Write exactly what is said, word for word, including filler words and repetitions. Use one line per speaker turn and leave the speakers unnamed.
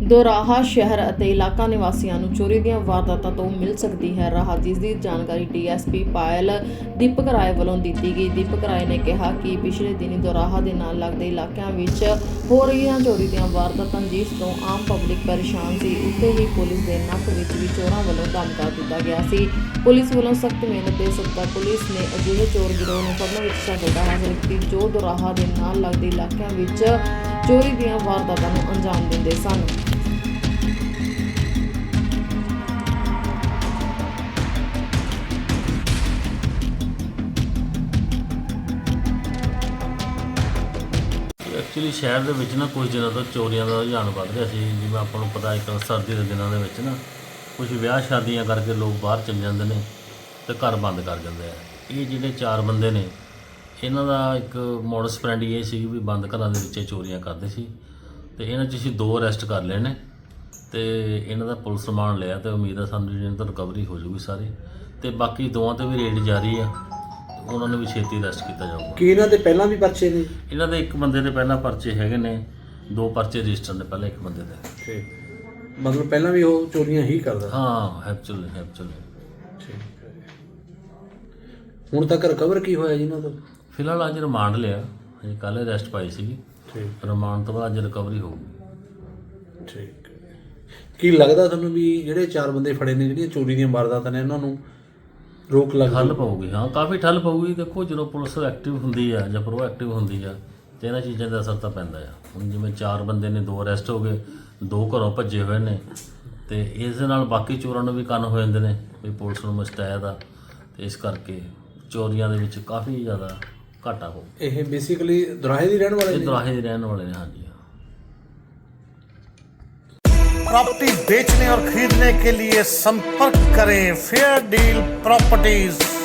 ਦੋਰਾਹਾ ਸ਼ਹਿਰ ਅਤੇ ਇਲਾਕਾ ਨਿਵਾਸੀਆਂ ਨੂੰ ਚੋਰੀ ਦੀਆਂ ਵਾਰਦਾਤਾਂ ਤੋਂ ਮਿਲ ਸਕਦੀ ਹੈ ਰਾਹਤ, ਜਿਸ ਦੀ ਜਾਣਕਾਰੀ ਡੀਐਸਪੀ ਪਾਇਲ ਦੀਪਕ ਰਾਏ ਵੱਲੋਂ ਦਿੱਤੀ ਗਈ। ਦੀਪਕ ਰਾਏ ਨੇ ਕਿਹਾ ਕਿ ਪਿਛਲੇ ਦਿਨੀ ਦੋਰਾਹਾ ਦੇ ਨਾਲ ਲੱਗਦੇ ਇਲਾਕਿਆਂ ਵਿੱਚ ਹੋ ਰਹੀਆਂ ਚੋਰੀ ਦੀਆਂ ਵਾਰਦਾਤਾਂ, ਜਿਸ ਤੋਂ ਆਮ ਪਬਲਿਕ ਪਰੇਸ਼ਾਨ ਸੀ, ਉੱਤੇ ਹੀ ਪੁਲਿਸ ਦੇ ਨੱਕ ਵਿੱਚ ਵੀ ਚੋਰਾਂ ਵੱਲੋਂ ਧਮਕਾ ਦਿੱਤਾ ਗਿਆ ਸੀ। ਪੁਲਿਸ ਵੱਲੋਂ ਸਖਤ ਮਿਹਨਤ ਦੇ ਸਦਕਾ ਪੁਲਿਸ ਨੇ ਅਜਿਹੇ ਚੋਰ ਗਿਰੋਹ ਨੂੰ ਫੜਨ ਵਿੱਚ ਸਫਲਤਾ ਹਾਸਲ ਕੀਤੀ, ਜੋ ਦੋਰਾਹਾ ਦੇ ਨਾਲ ਲੱਗਦੇ ਇਲਾਕਿਆਂ ਵਿੱਚ ਚੋਰੀ ਦੀਆਂ ਵਾਰਦਾਤਾਂ ਨੂੰ ਅੰਜਾਮ ਦਿੰਦੇ ਸਨ।
ਐਕਚੁਅਲੀ ਸ਼ਹਿਰ ਦੇ ਵਿੱਚ ਨਾ ਕੁਝ ਦਿਨਾਂ ਤੋਂ ਚੋਰੀਆਂ ਦਾ ਰੁਝਾਨ ਵੱਧ ਰਿਹਾ ਸੀ। ਜਿਵੇਂ ਆਪਾਂ ਨੂੰ ਪਤਾ ਇੱਕ ਸਰਦੀ ਦੇ ਦਿਨਾਂ ਦੇ ਵਿੱਚ ਨਾ ਕੁਝ ਵਿਆਹ ਸ਼ਾਦੀਆਂ ਕਰਕੇ ਲੋਕ ਬਾਹਰ ਚਲੇ ਜਾਂਦੇ ਨੇ ਤੇ ਘਰ ਬੰਦ ਕਰ ਜਾਂਦੇ ਆ। ਇਹ ਜਿਹੜੇ ਚਾਰ ਬੰਦੇ ਨੇ, ਇਹਨਾਂ ਦਾ ਇੱਕ ਮੋਡਸ ਫਰੈਂਡੀ ਇਹ ਸੀ ਵੀ ਬੰਦ ਘਰਾਂ ਦੇ ਵਿੱਚ ਚੋਰੀਆਂ ਕਰਦੇ ਸੀ, ਤੇ ਇਹਨਾਂ 'ਚ ਅਸੀਂ ਦੋ ਅਰੈਸਟ ਕਰ ਲਏ ਨੇ ਤੇ ਇਹਨਾਂ ਦਾ ਪੁਲਿਸ ਰਿਮਾਂਡ ਲਿਆ ਤੇ ਉਮੀਦ ਆ ਸਾਨੂੰ ਜਿਹੜੀ ਤਾਂ ਰਿਕਵਰੀ ਹੋ ਜੂਗੀ ਸਾਰੀ, ਤੇ ਬਾਕੀ ਦੋਵਾਂ 'ਤੇ ਵੀ ਰੇਡ ਜਾਰੀ ਆ, ਉਹਨਾਂ ਨੂੰ ਵੀ ਛੇਤੀ ਅਰੈਸਟ ਕੀਤਾ ਜਾਊਗਾ।
ਕੀ ਇਹਨਾਂ ਦੇ ਪਹਿਲਾਂ ਵੀ ਪਰਚੇ ਨੇ?
ਇਹਨਾਂ ਦੇ ਇੱਕ ਬੰਦੇ ਦੇ ਪਹਿਲਾਂ ਪਰਚੇ ਹੈਗੇ ਨੇ, ਦੋ ਪਰਚੇ ਰਜਿਸਟਰ ਨੇ ਪਹਿਲਾਂ ਇੱਕ ਬੰਦੇ ਦੇ।
ਠੀਕ, ਮਤਲਬ ਪਹਿਲਾਂ ਵੀ ਉਹ ਚੋਰੀਆਂ ਹੀ ਕਰਦਾ?
ਹਾਂ, ਐਕਚੁਅਲੀ ਐਕਚੁਅਲੀ
ਠੀਕ ਹੈ। ਹੁਣ ਤੱਕ ਰਿਕਵਰ ਕੀ ਹੋਇਆ ਜੀ ਇਹਨਾਂ ਤੋਂ?
ਫਿਲਹਾਲ ਅੱਜ ਰਿਮਾਂਡ ਲਿਆ, ਅਜੇ ਕੱਲ੍ਹ ਅਰੈਸਟ ਪਾਈ ਸੀਗੀ।
ਠੀਕ,
ਰਿਮਾਂਡ ਤੋਂ ਬਾਅਦ ਅੱਜ ਰਿਕਵਰੀ ਹੋਊਗੀ।
ਠੀਕ। ਕੀ ਲੱਗਦਾ ਤੁਹਾਨੂੰ ਵੀ ਜਿਹੜੇ ਚਾਰ ਬੰਦੇ ਫੜੇ ਨੇ, ਜਿਹੜੀਆਂ ਚੋਰੀ ਦੀਆਂ ਵਾਰਦਾਤਾਂ ਨੇ, ਇਹਨਾਂ ਨੂੰ ਰੋਕ ਲੱਗ
ਠੱਲ ਪਊਗੀ? ਹਾਂ, ਕਾਫੀ ਠੱਲ ਪਊਗੀ। ਦੇਖੋ, ਜਦੋਂ ਪੁਲਿਸ ਐਕਟਿਵ ਹੁੰਦੀ ਆ ਜਾਂ ਪ੍ਰੋ ਐਕਟਿਵ ਹੁੰਦੀ ਆ ਤੇ ਇਹਨਾਂ ਚੀਜ਼ਾਂ ਦਾ ਅਸਰ ਤਾਂ ਪੈਂਦਾ ਆ। ਹੁਣ ਜਿਵੇਂ ਚਾਰ ਬੰਦੇ ਨੇ, ਦੋ ਅਰੈਸਟ ਹੋ ਗਏ, ਦੋ ਘਰੋਂ ਭੱਜੇ ਹੋਏ ਨੇ, ਤੇ ਇਸ ਦੇ ਨਾਲ ਬਾਕੀ ਚੋਰਾਂ ਨੂੰ ਵੀ ਕੰਨ ਹੋ ਜਾਂਦੇ ਨੇ ਵੀ ਪੁਲਿਸ ਨੂੰ ਮੁਸ਼ਤੈਦ ਆ, ਤੇ ਇਸ ਕਰਕੇ ਚੋਰੀਆਂ ਦੇ ਵਿੱਚ ਕਾਫੀ ਜ਼ਿਆਦਾ ਘਾਟਾ ਹੋ।
ਇਹ ਬੇਸਿਕਲੀ ਦੁਰਾਹੇ ਦੀ ਰਹਿਣ ਵਾਲੇ
ਇਹ
ਨੇ?
ਦੁਰਾਹੇ ਦੇ ਰਹਿਣ ਵਾਲੇ ਨੇ। ਹਾਂਜੀ।
प्रॉपर्टी बेचने और खरीदने के लिए संपर्क करें फेयर डील प्रॉपर्टीज।